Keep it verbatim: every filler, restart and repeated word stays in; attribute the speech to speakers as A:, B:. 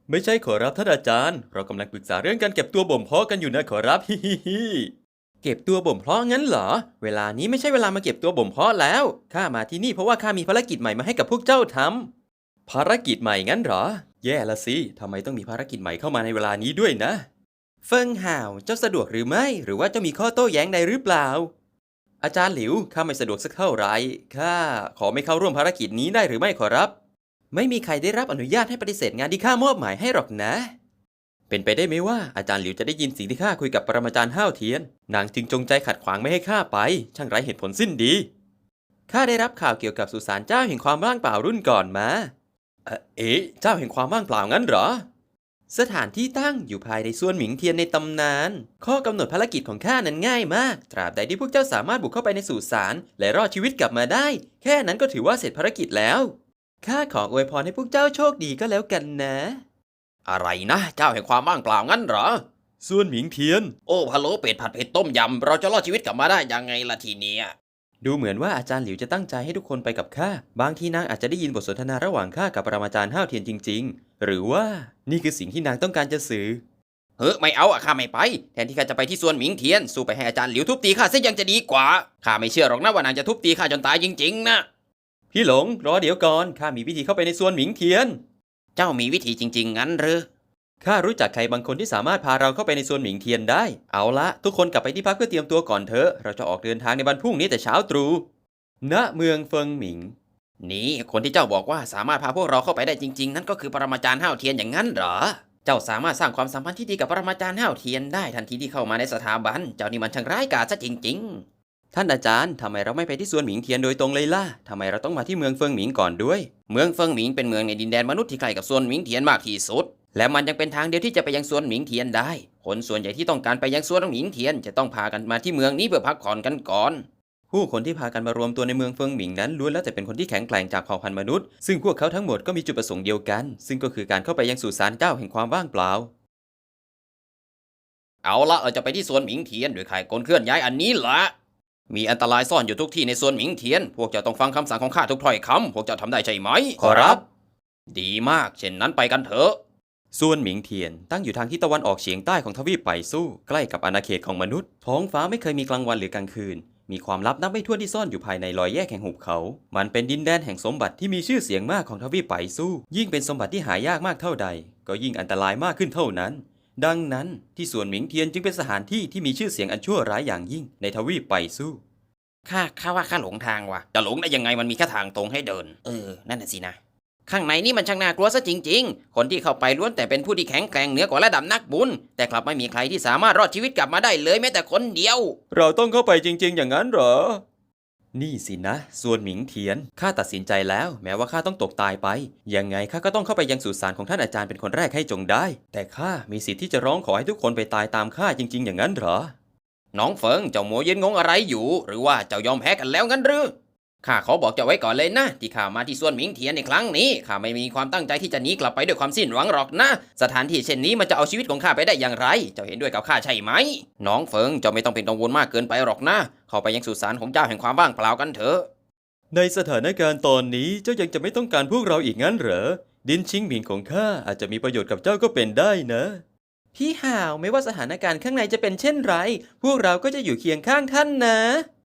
A: ไม่ใช่ขอรับท่านอาจารย์เรากำลังปรึกษาเรื่องการเก็บตัวบ่มเพาะกันอยู่นะขอรับ ฮิฮิฮิเก็บตัวบ่มเพาะงั้นเหรอเวลานี้ไม่ใช่เวลามาเก็บตัวบ่มเพาะแล้วข้ามาที่นี่เพราะว่าข้ามีภารกิจใหม่มาให้กับพวกเจ้าทำภารกิจใหม่งั้นเหรอแย่ละสิทำไมต้องมีภารกิจใหม่เข้ามาในเวลานี้ด้วยนะเฟิงห่าวเจ้าสะดวกหรือไม่หรือว่าจะมีข้อโต้แย้งใดหรือเปล่าอาจารย์หลิวข้าไม่สะดวกสักเท่าไหร่ข้าขอไม่เข้าร่วมภารกิจนี้ได้หรือไม่ขอรับไม่มีใครได้รับอนุญาตให้ปฏิเสธงานที่ข้ามอบหมายให้หรอกนะเป็นไปได้ไหมว่าอาจารย์หลิวจะได้ยินสิ่งที่ข้าคุยกับปรมาจารย์ห้าวเทียนนางจึงจงใจขัดขวางไม่ให้ข้าไปช่างไร้เหตุผลสิ้นดีข้าได้รับข่าวเกี่ยวกับสุสานเจ้าแห่งความว่างเปล่ารุ่นก่อนมาเอ่อเอ๊ะเจ้าแห่งความว่างเปล่างั้นเหรอสถานที่ตั้งอยู่ภายในส่วนหมิงเทียนในตำนานข้อกำหนดภารกิจของข้านั้นง่ายมากตราบใดที่พวกเจ้าสามารถบุกเข้าไปในสุสานและรอดชีวิตกลับมาได้แค่นั้นก็ถือว่าเสร็จภารกิจแล้วข้าขออวยพรให้พวกเจ้าโชคดีก็แล้วกันนะ
B: อะไรนะเจ้าแห่งความว่างเปล่างั้นเหรอ
A: ส่วนหมิงเทียน
B: โอ้พะโล้เป็ดผัดเผ็ดต้มยำเราจะรอดชีวิตกลับมาได้ยังไงล่ะทีเนี้ย
A: ดูเหมือนว่าอาจารย์หลิวจะตั้งใจให้ทุกคนไปกับข้าบางทีนางอาจจะได้ยินบทสนทนาระหว่างข้ากับปรมาจารย์ห้าวเทียนจริงๆหรือว่านี่คือสิ่งที่นางต้องการจะสื่อ
B: เฮ้ยไม่เอาอะข้าไม่ไปแทนที่ข้าจะไปที่สวนหมิงเทียนสู้ไปให้อาจารย์หลิวทุบตีข้าซะยังจะดีกว่าข้าไม่เชื่อหรอกนะว่านางจะทุบตีข้าจนตายจริงๆนะ
A: พี่หลงรอเดี๋ยวก่อนข้ามีวิธีเข้าไปในส่วนหมิงเทียน
B: เจ้ามีวิธีจริงๆงั้นหรือ
A: ข้ารู้จักใครบางคนที่สามารถพาเราเข้าไปในส่วนหมิงเทียนได้เอาละทุกคนกลับไปที่พักเพื่อเตรียมตัวก่อนเถอะเราจะออกเดินทางในวันพรุ่งนี้แต่เช้าตรู่ณเมืองเฟิงหมิง
B: นี่คนที่เจ้าบอกว่าสามารถพาพวกเราเข้าไปได้จริงๆนั่นก็คือปรมาจารย์ห้าวเทียนอย่างนั้นเหรอเจ้าสามารถสร้างความสัมพันธ์ที่ดีกับปรมาจารย์ห้าวเทียนได้ทันทีที่เข้ามาในสถาบันเจ้านี่มันช่างร้ายกาจซะจริง
A: ๆท่านอาจารย์ทำไมเราไม่ไปที่ส่วนหมิงเทียนโดยตรงเลยล่ะทำไมเราต้องมาที่เมืองเฟิงหมิงก่อนด้วย
B: เมืองเฟิงหมิงเป็นเมืองในดินแดนมนุษย์ที่ใกล้กับส่วนหมิงเทียนมากที่สุดและมันยังเป็นทางเดียวที่จะไปยังสวนหมิงเทียนได้คนส่วนใหญ่ที่ต้องการไปยังสวนหมิงเทียนจะต้องพากันมาที่เมืองนี้เพื่อพักผ่อนกันก่อน
A: ผู้คนที่พากันมารวมตัวในเมืองเฟิงหมิงนั้นล้วนแล้วแต่เป็นคนที่แข็งแกร่งจากเผ่าพันธุ์มนุษย์ซึ่งพวกเขาทั้งหมดก็มีจุดประสงค์เดียวกันซึ่งก็คือการเข้าไปยังสุสานเจ้าแห่งความว่างเปล่า
B: เอาละเราจะไปที่สวนหมิงเทียนโดยข่ายกลเคลื่อนย้ายอันนี้ละมีอันตรายซ่อนอยู่ทุกที่ในสวนหมิงเทียนพวกเจ้าต้องฟังคำสั่งของข้าทุกถ้อยคำพวกเจ้าทำได้ใช่ไหม
A: ขอรับ
B: ดีมากเช่นนั้นไปกันเถอะ
A: ส่วนหมิงเทียนตั้งอยู่ทางทิศตะวันออกเฉียงใต้ของทวีปไปสู้ใกล้กับอาณาเขตของมนุษย์ท้องฟ้าไม่เคยมีกลางวันหรือกลางคืนมีความลับนับไม่ถ้วนที่ซ่อนอยู่ภายในรอยแยกแห่งหุบเขามันเป็นดินแดนแห่งสมบัติที่มีชื่อเสียงมากของทวีปไปสู้ยิ่งเป็นสมบัติที่หายากมากเท่าใดก็ยิ่งอันตรายมากขึ้นเท่านั้นดังนั้นที่สวนหมิงเทียนจึงเป็นสถานที่ที่มีชื่อเสียงอันชั่วร้ายอย่างยิ่งในทวีปไปสู้
B: ข้าข้าว่าข้าหลงทางว่ะจะหลงได้ยังไงมันมีแค่ทางตรงให้เดินเออนั่นน่ะสินะข้างในนี่มันช่างน่ากลัวซะจริงๆคนที่เข้าไปล้วนแต่เป็นผู้ที่แข็งแกร่งเหนือกว่าระดับนักบุญแต่กลับไม่มีใครที่สามารถรอดชีวิตกลับมาได้เลยแม้แต่คนเดียว
A: เราต้องเข้าไปจริงๆอย่างนั้นเหรอนี่สินะส่วนหมิงเทียนข้าตัดสินใจแล้วแม้ว่าข้าต้องตกตายไปยังไงข้าก็ต้องเข้าไปยังสุสานของท่านอาจารย์เป็นคนแรกให้จงได้แต่ข้ามีสิทธิ์ที่จะร้องขอให้ทุกคนไปตายตามข้าจริงๆอย่างนั้นเหรอ
B: น้องเฟิงเจ้าโมเย็นงงอะไรอยู่หรือว่าเจ้ายอมแพ้กันแล้วงั้นหรือข้าขอบอกเจ้าไว้ก่อนเลยนะที่ข้ามาที่สวนหมิงเทียนในครั้งนี้ข้าไม่มีความตั้งใจที่จะหนีกลับไปด้วยความสิ้นหวังหรอกนะสถานที่เช่นนี้มันจะเอาชีวิตของข้าไปได้อย่างไรเจ้าเห็นด้วยกับข้าใช่ไหมน้องเฟิงเจ้าไม่ต้องเป็นกังวลมากเกินไปหรอกนะเข้าไปยังสุสานของเจ้าแห่งความว่างเปล่ากันเถอะ
A: ในสถานการณ์ตอนนี้เจ้ายังจะไม่ต้องการพวกเราอีกงั้นเหรอดินชิงหมิงของข้าอาจจะมีประโยชน์กับเจ้าก็เป็นได้นะพี่ห่าวไม่ว่าสถานการณ์ข้างในจะเป็นเช่นไรพวกเราก็จะอยู่เคียงข้างท่านนะ